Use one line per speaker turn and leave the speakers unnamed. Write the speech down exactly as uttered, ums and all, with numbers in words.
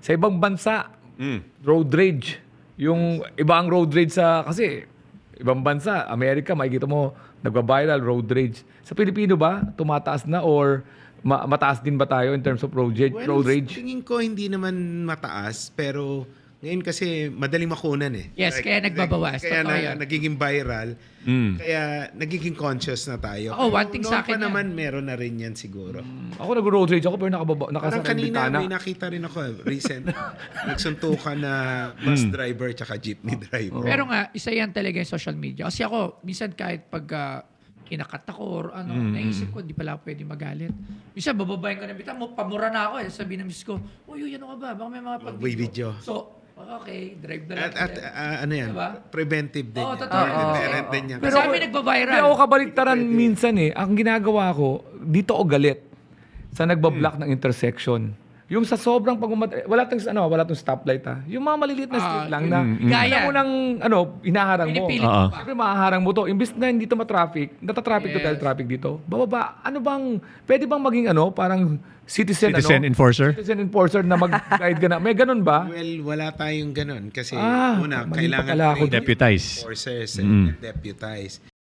Sa ibang bansa,
Mm.
road rage. Yung iba ang road rage sa, kasi ibang bansa, Amerika, makikita mo, nagwa-viral road rage. Sa Pilipino ba, tumataas na or ma- mataas din ba tayo in terms of road rage?
Well,
road rage?
tingin ko hindi naman mataas, pero ngayon kasi madaling makunan eh.
Yes, kaya nagbabawas.
Kaya
Totoo
na,
yun.
nagiging viral.
Hmm.
Kaya nagiging conscious na tayo.
Ako, one
Pero
thing
noon
sa akin
pa
yan.
naman, meron na rin yan siguro.
Ako nag-road rage ako pero nakababa,
Parang
nakasakay ng
kanina
bintana.
may nakita rin ako eh, recent. Nagsuntukan na bus driver tsaka jeepney driver.
Pero nga, isa yan talaga yung social media. Kasi ako, minsan kahit pag uh, kinakat ako or ano, naisip ko, di pala ako pwede magalit. Minsan, bababayin ko na bita mo, pamura na ako eh. Sabi ng miss ko, uy, uy, ano ka ba? Baka may mga
May
pag-video.
video.
So, okay, drive na lang.
At, at
ulit.
ah, ano yan,
Diba?
preventive din
Oo,
yan.
totoo.
Deterrent din yan.
Pero kami nagbabiral.
Hindi ako kabaliktaran minsan eh. Ang ginagawa ko, dito ako galit sa nagbablock ng intersection. Yung sa sobrang pag wala tong ano, wala tong stoplight ha. Yung mga maliliit na street
Ah,
lang na
Gaya.
mo nang ano, hinaharang mo.
Pinipilit
Oo.
mo pa.
Siyempre mahaharang mo to. Imbis na hindi to matraffic, natatraffic to
Yes.
dahil traffic dito. Bababa, ano bang, pwede bang maging ano, parang citizen,
Citizen
ano?
enforcer?
Citizen enforcer na mag-guide ka na. May ganun ba?
Well, wala tayong ganun. Kasi
Ah,
una,
mali pa
kailangan
pala ako.
training
Deputize.
enforcers
Mm.
and deputize.